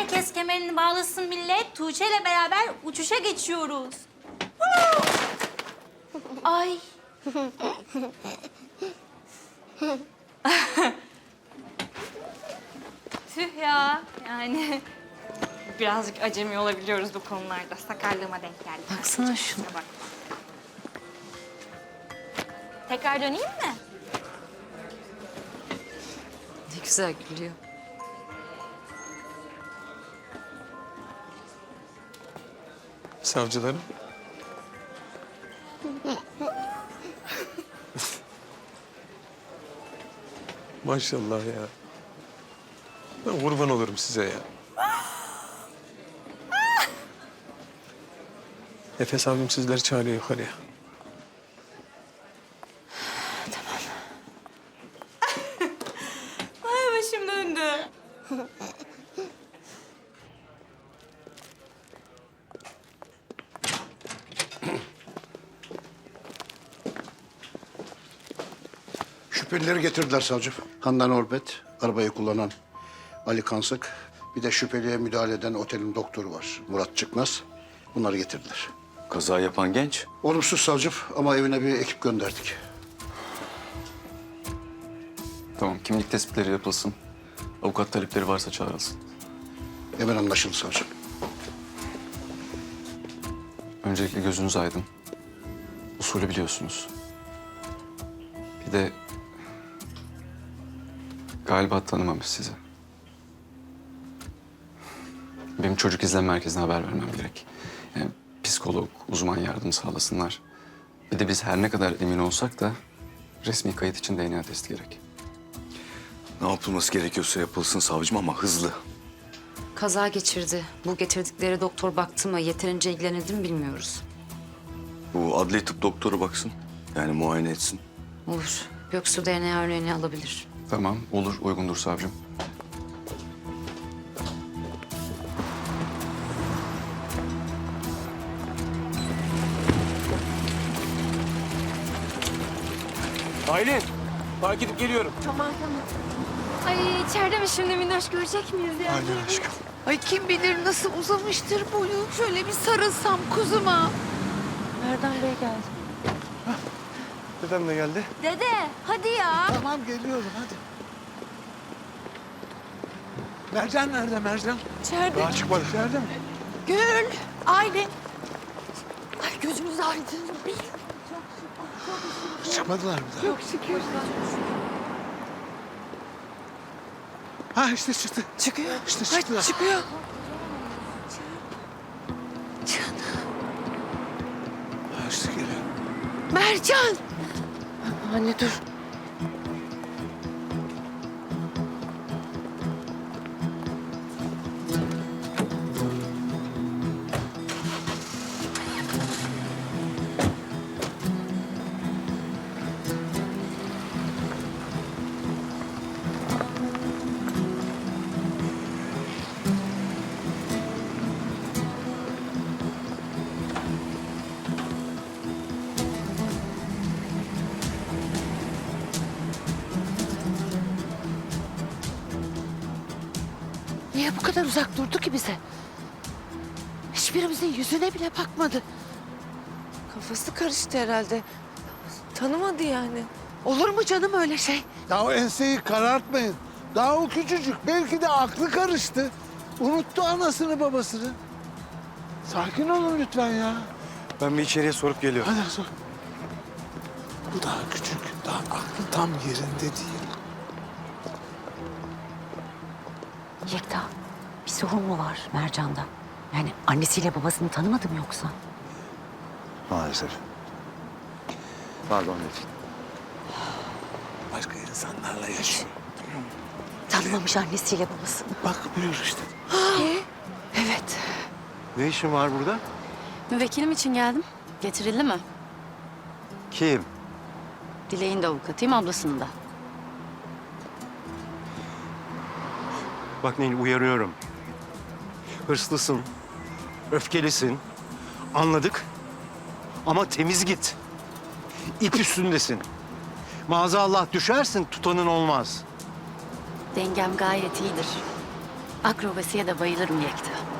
Herkes kemerini bağlasın millet. Tuğçe ile beraber uçuşa geçiyoruz. Ay. Tüh ya. Yani birazcık acemi olabiliyoruz bu konularda. Sakarlığıma denk geldi. Baksana şuna. Bak. Tekrar döneyim mi? Ne güzel gülüyor. Savcılarım. Maşallah ya. Ben kurban olurum size ya. Nefes abim sizleri çağırıyor yukarıya. Ay başım döndü. Şüphelileri getirdiler savcım. Handan Orbet, arabayı kullanan Ali Kansık, bir de şüpheliye müdahale eden otelin doktoru var. Murat Çıkmaz. Bunları getirdiler. Kaza yapan genç. Olumsuz savcım ama evine bir ekip gönderdik. Tamam, kimlik tespitleri yapılsın. Avukat talepleri varsa çağrılsın. Hemen anlaşıldı savcım. Öncelikle gözünüz aydın. Usulü biliyorsunuz. Bir de galiba tanımamış sizi. Benim çocuk izleme merkezine haber vermem gerek. Yani psikolog, uzman yardım sağlasınlar. Bir de biz her ne kadar emin olsak da resmi kayıt için DNA testi gerek. Ne yapılması gerekiyorsa yapılsın savcım ama hızlı. Kaza geçirdi. Bu getirdikleri doktor baktı mı, yeterince ilgilenildi mi bilmiyoruz. Bu adli tıp doktoru baksın. Yani muayene etsin. Olur. Göksu DNA örneğini alabilir. Tamam, olur, uygundur savcım. Aylin, fark edip geliyorum. Ay içeride mi şimdi Minnoş görecek miyiz ya? Aynen aşkım. Ay kim bilir nasıl uzamıştır boyu. Şöyle bir sarılsam kuzuma. Nereden Bey geldi? Dedem de geldi. Dede hadi ya. Tamam geliyorum hadi. Mercan nerede Mercan? İçeride. Daha çıkmadı. İçeride mi? Gül, Aylin. Ay gözümüz aydın. Çıkmadılar mı daha? Çok şükür. Ha işte çıktı. Çıkıyor. İşte Ay, çıktılar. çıkıyor. Canım. Ha işte geliyor. Mercan. Anne dur. Niye bu kadar uzak durdu ki bize? Hiçbirimizin yüzüne bile bakmadı. Kafası karıştı herhalde. Tanımadı yani. Olur mu canım öyle şey? Ya o enseyi karartmayın. Daha o küçücük. Belki de aklı karıştı. Unuttu anasını babasını. Sakin olun lütfen ya. Ben bir içeriye sorup geliyorum. Hadi sor. Bu daha küçük. Daha aklı tam yerinde değil. Yekta, bir sorun mu var Mercan'da? Yani annesiyle babasını tanımadı mı yoksa? Maalesef. Pardon Metin. Başka insanlarla yaşıyor. Tanımamış annesiyle babasını. Bak buyur işte. Evet. Ne işin var burada? Müvekkilim için geldim. Getirildi mi? Kim? Dilek'in de avukatıyım, ablasının da. Bak Nil uyarıyorum. Hırslısın, öfkelisin. Anladık. Ama temiz git. İp üstündesin. Maazallah düşersin, tutanın olmaz. Dengem gayet iyidir. Akrobasiye de bayılırım Yekta.